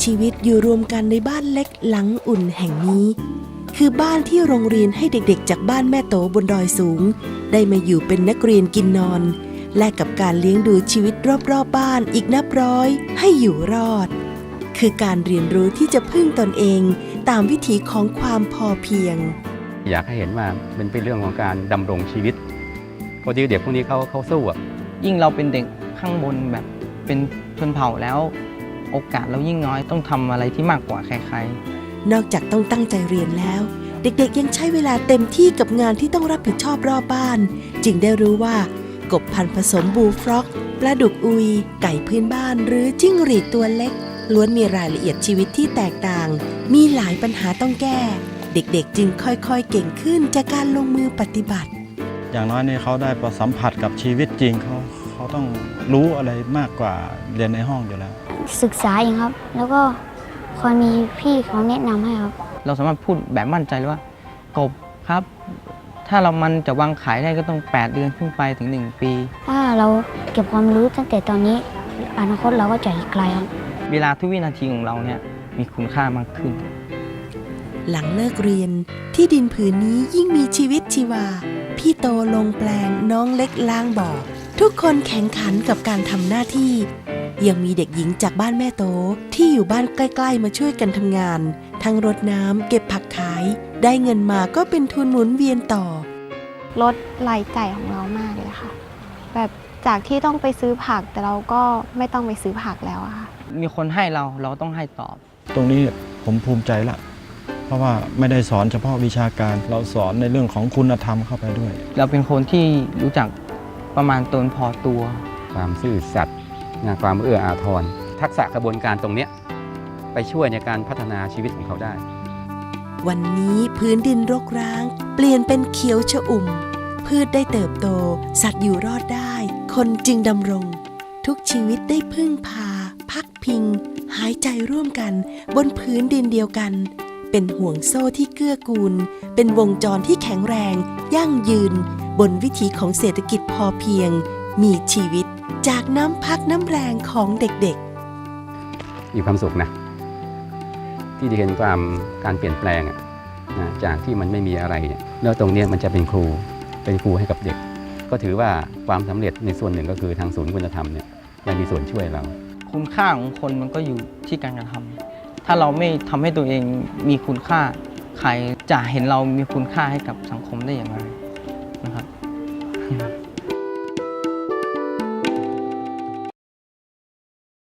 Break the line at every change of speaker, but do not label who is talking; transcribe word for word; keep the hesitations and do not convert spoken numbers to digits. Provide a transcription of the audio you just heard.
ชีวิตอยู่รวมกันในบ้านเล็กหลังอุ่นแห่งนี้คือบ้านที่โรงเรียนให้เด็กๆจากบ้านแม่โตบนดอยสูงได้มาอยู่เป็นนักเรียนกินนอนและกับการเลี้ยงดูชีวิตรอบๆบ้านอีกนับร้อยให้อยู่รอดคือการเรียนรู้ที่จะพึ่งตนเองตามวิถีของความพอเพียง
อยากให้เห็นว่ามันเป็นเรื่องของการดำรงชีวิตพอดีเด็กพวกนี้เขาเขาสู้อ่ะ
ยิ่งเราเป็นเด็กข้างบนแบบเป็นชนเผ่าแล้วโอกาสเรายิ่งน้อยต้องทำอะไรที่มากกว่าใคร
ๆนอกจากต้องตั้งใจเรียนแล้วเด็กๆยังใช้เวลาเต็มที่กับงานที่ต้องรับผิดชอบรอบบ้านจึงได้รู้ว่ากบพันธุ์ผสมบูลฟร็อกปลาดุกอุยไก่พื้นบ้านหรือจิ้งหรีดตัวเล็กล้วนมีรายละเอียดชีวิตที่แตกต่างมีหลายปัญหาต้องแก้เด็กๆจึงค่อยๆเก่งขึ้นจากการลงมือปฏิบัติ
อย่างน้อยนี่เขาได้ประสัมผัสกับชีวิตจริงเขาเขาต้องรู้อะไรมากกว่าเรียนในห้องอยู่แล้ว
ศึกษาเองครับแล้วก็คอยมีพี่เขาแนะนำให้ครับ
เราสามารถพูดแบบมั่นใจเลยว่ากบครับถ้าเรามันจะวางขายได้ก็ต้องแปดเดือนขึ้นไปถึงหนึ่งปี
ถ้าเราเก็บความรู้ตั้งแต่ตอนนี้อนาคตเราก็จะอีกไกลครับ
เวลาทุกวินาทีของเราเนี่ยมีคุณค่ามากขึ้น
หลังเลิกเรียนที่ดินผืนนี้ยิ่งมีชีวิตชีวาพี่โตลงแปลงน้องเล็กล้างบ่อทุกคนแข่งขันกับการทำหน้าที่ยังมีเด็กหญิงจากบ้านแม่โตที่อยู่บ้านใกล้ๆมาช่วยกันทำงานทั้งรดน้ำเก็บผักขายได้เงินมาก็เป็นทุนหมุนเวียนต่อ
ลดรายจ่ายของเรามากเลยค่ะแบบจากที่ต้องไปซื้อผักแต่เราก็ไม่ต้องไปซื้อผักแล้วอะค่ะ
มีคนให้เราเราต้องให้ตอบ
ตรงนี้ผมภูมิใจละเพราะว่าไม่ได้สอนเฉพาะวิชาการเราสอนในเรื่องของคุณธรรมเข้าไปด้วย
เราเป็นคนที่รู้จักประมาณตนพอตัว
ความซื่อสัตย์ความเอื้ออาทรทักษะกระบวนการตรงนี้ไปช่วยในการพัฒนาชีวิตของเขาได้
วันนี้พื้นดินรกร้างเปลี่ยนเป็นเขียวชอุ่มพืชได้เติบโตสัตว์อยู่รอดได้คนจึงดำรงทุกชีวิตได้พึ่งพาพักพิงหายใจร่วมกันบนพื้นดินเดียวกันเป็นห่วงโซ่ที่เกื้อกูลเป็นวงจรที่แข็งแรงยั่งยืนบนวิถีของเศรษฐกิจพอเพียงมีชีวิตจากน้ำพักน้ำแรงของเด็ก
ๆมีความสุขนะที่ได้เห็นความการเปลี่ยนแปลงนะจากที่มันไม่มีอะไรแล้วตรงนี้มันจะเป็นครูเป็นครูให้กับเด็กก็ถือว่าความสำเร็จในส่วนหนึ่งก็คือทางศูนย์คุณธรรมเนี่ยได้มีส่วนช่วยเรา
คุณค่าของคนมันก็อยู่ที่การกระทำถ้าเราไม่ทำให้ตัวเองมีคุณค่าใครจะเห็นเรามีคุณค่าให้กับสังคมได้อย่างไรนะครับ